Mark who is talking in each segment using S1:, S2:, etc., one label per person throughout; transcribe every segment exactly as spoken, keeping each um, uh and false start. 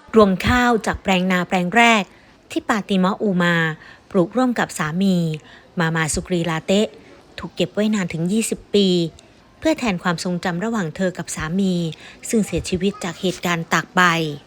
S1: รวงข้าวจากแปลงนาแปลงแรกที่ปาติมะอูมาปลูกร่วมกับสามีมามาสุกรีลาเตะถูกเก็บไว้นานถึงยี่สิบปีเพื่อแทนความทรงจำระหว่างเธอกับสามีซึ่งเสียชีวิตจากเหตุการณ์ตากใบ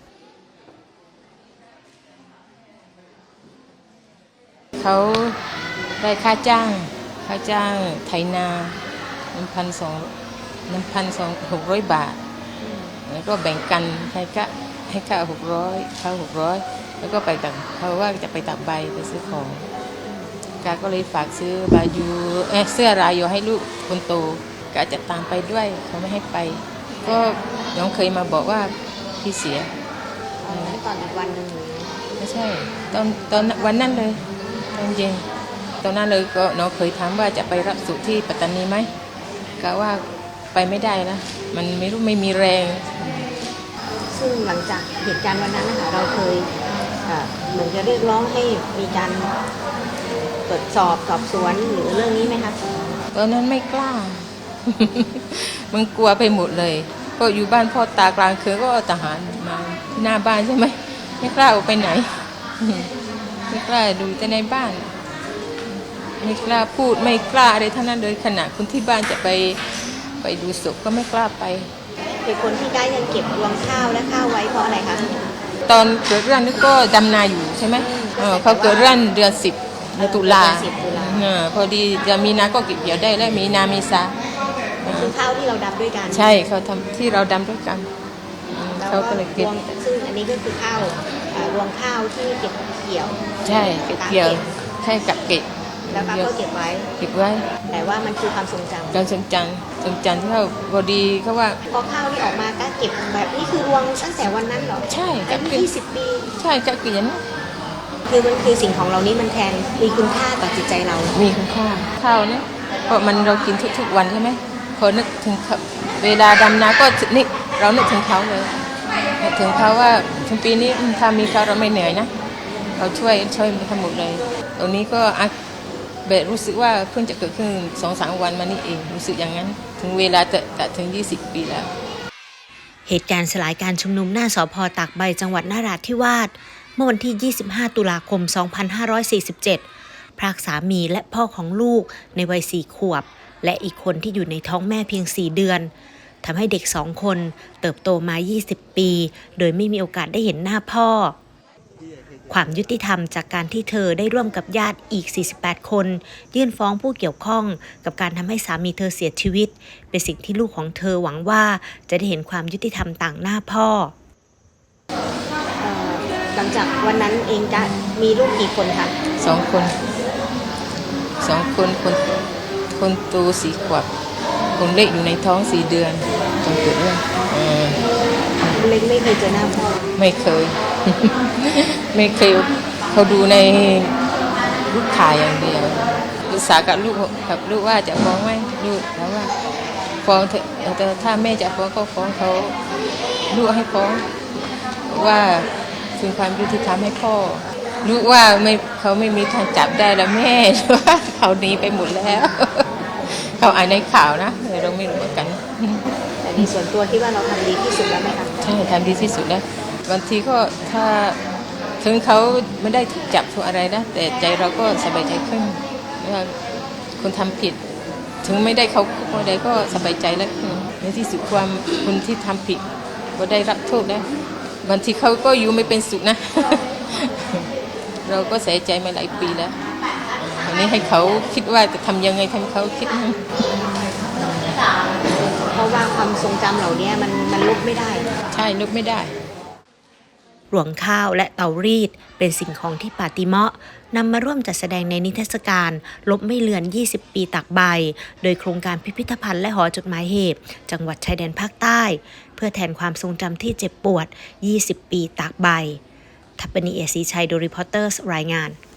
S2: เขาได้ค่าจ้างค่าจ้างไถนาหนึ่งพันสองหนึ่งพันสองหกร้อยบาทแล้วก็แบ่งกันให้ก็ให้ค่าหกร้อยค่าหกร้อยแล้วก็ไปตักเขาว่าจะไปตักใบไปซื้อของกาก็เลยฝากซื้อบายูเอเสื้อรายโยให้ลูกคนโตกาจะตามไปด้วยเขาไม่ให้ไปก็น้องเคยมาบอกว่าพี่เสีย
S1: ตอนอีกวันหนึ่ง
S2: ไม่ใช่ตอนตอนวันนั้นเลยตอนเย็นตอนนั้นเลยก็น้องเคยถามว่าจะไปรับสุที่ปัตตานีไหมกะว่าไปไม่ได้นะมันไม่รู้ไม่มีแรง
S1: ซึ่งหลังจากเหตุการณ์วันนั้นนะคะเราเคยเหมือนจะเรียกร้องให้มีการตรวจสอบสอบสวนหรือเรื่องนี้ไหมคะ
S2: ตอนนั้นไม่กล้า มันกลัวไปหมดเลยก็อยู่บ้านพ่อตากลางคืนก็ทหารมาที่หน้าบ้านใช่ไหมไม่กล้าออกไปไหนไม่กล้าดูแต่ในบ้านไม่กล้าพูดไม่กล้าอะไรทั้งนั้นเลยขณะคนที่บ้านจะไปไปดูศพก็ไม่กล้าไป
S1: เป็นคนที่ได้ยังเก็บรวงข้าวและข้าวไว้เพราะอะไรคะ
S2: ตอนเกิดเรื่องนี้ก็ดำนาอยู่ใช่ไหมเขาเกิดเรื่องเดือนสิบตุลาพอดีจะมีนาก็เก็บเกี่ยวได้และมีนามีซา
S1: คือข้าวที่เราดำด้วยกัน
S2: ใช่เขาทำที่เราดำด้วยกันเขาก็เลยเก็บ
S1: ซึ่งอันนี้ก็คือข้าวรวงข้าวที่เก็บเกี่ยว
S2: ใช่เก็บเกี่ยวใช่กับเก็บ
S1: แล้วก็เก็บไว้
S2: เก็บไว้
S1: แต่ว่ามันคือความทรงจำ
S2: การทรงจำทรงจำที่เขาพอดีเขาว่า
S1: พอข้าวที่ออกมาก็เก็บแบบนี้คือรวงตั้งแต่วันนั้นเหรอ
S2: ใช่
S1: กับยี่สิบปี
S2: ใช่กับเกียน
S1: คือมันคือสิ่งของเรานี้มันแทนมีคุณค่าต่อจิตใจเรา
S2: มีคุณค่าข้าวเนี่ยเพราะมันเรากินทุกๆวันใช่ไหมพอนึกถึงเวลาดำนาก็นี่เรานึกถึงเขาเลยนึกถึงเขาว่าทั้งปีนี้ถ้ามีเขาเราไม่เหนื่อยนะเขาช่วยช่วยทั้งหมดเลยตรงนี้ก็เบสรู้สึกว่าเพิ่งจะเกิดขึ้นสองสามวันมานี่เองรู้สึกอย่างนั้นถึงเวลาแต่แต่ถึงยี่สิบปีแล้ว
S1: เหตุการณ์สลายการชุมนุมหน้าสภ.ตากใบจังหวัดนราธิวาสเมื่อวันที่ยี่สิบห้าตุลาคมสองพันห้าร้อยสี่สิบเจ็ดพรากสามีและพ่อของลูกในวัยสี่ขวบและอีกคนที่อยู่ในท้องแม่เพียงสี่เดือนทำให้เด็กสองคนเติบโตมายี่สิบปีโดยไม่มีโอกาสได้เห็นหน้าพ่อความยุติธรรมจากการที่เธอได้ร่วมกับญาติอีกสี่สิบแปดคนยื่นฟ้องผู้เกี่ยวข้องกับการทำให้สามีเธอเสียชีวิตเป็นสิ่งที่ลูกของเธอหวังว่าจะได้เห็นความยุติธรรมต่างหน้าพ่อหลังจากวันนั้นเองจะมีลูกกี่คนคะ
S2: สองคนสองคนคนคนโตสี่ขวบคนเล็กอยู่ในท้องสี่เดือนจนเกิดเรื่อง
S1: เล็กไม่เคยเจอหน้าพ่อ
S2: ไม่เคยไม่เคยเขาดูในรูปถ่ายอย่างเดียวปรึกษากับลูกกับลูกว่าจะฟ้องไหมลูกแล้วว่าฟ้องเถอะแต่ถ้าแม่จะฟ้องก็ฟ้องเขาลูกให้ฟ้องว่าคืนความยุติธรรมให้พ่อลูกว่าไม่เขาไม่มีทางจับได้แล้วแม่ว่าเขาหนีไปหมดแล้วเขาอ่านในข่าวนะเราไม่รู้เหมือนกัน
S1: แต่ในส่วนตัวคิดว่าเราทำดีที่สุดแล้วไหมคะ
S2: ใช่ทำดีที่สุดแล้วบางทีก็ถ้าถึงเขาไม่ได้ถูกจับถูกอะไรนะแต่ใจเราก็สบายใจขึ้นว่าคนทำผิดถึงไม่ได้เขาคุกอะไรก็สบายใจแล้วในที่สุดความคนที่ทำผิดก็ได้รับโทษแล้วบางทีเขาก็อยู่ไม่เป็นสุขนะ เราก็เสียใจมาหลายปีแล้วอันนี้ให้เขาคิดว่าจะทำยังไงทำเขาคิด
S1: เพราะว่าความทรงจำเหล่านี้มันมันลบไม่ได้
S2: ใช่ลบไม่ได้
S1: รวงข้าวและเตารีดเป็นสิ่งของที่ปาติเมาะนำมาร่วมจัดแสดงในนิทรรศการลบไม่เลือนยี่สิบปีตากใบโดยโครงการพิพิธภัณฑ์และหอจดหมายเหตุจังหวัดชายแดนภาคใต้เพื่อแทนความทรงจำที่เจ็บปวดยี่สิบปีตากใบทัพปนีเอศรีชัยโดรีพอร์เตอร์รายงาน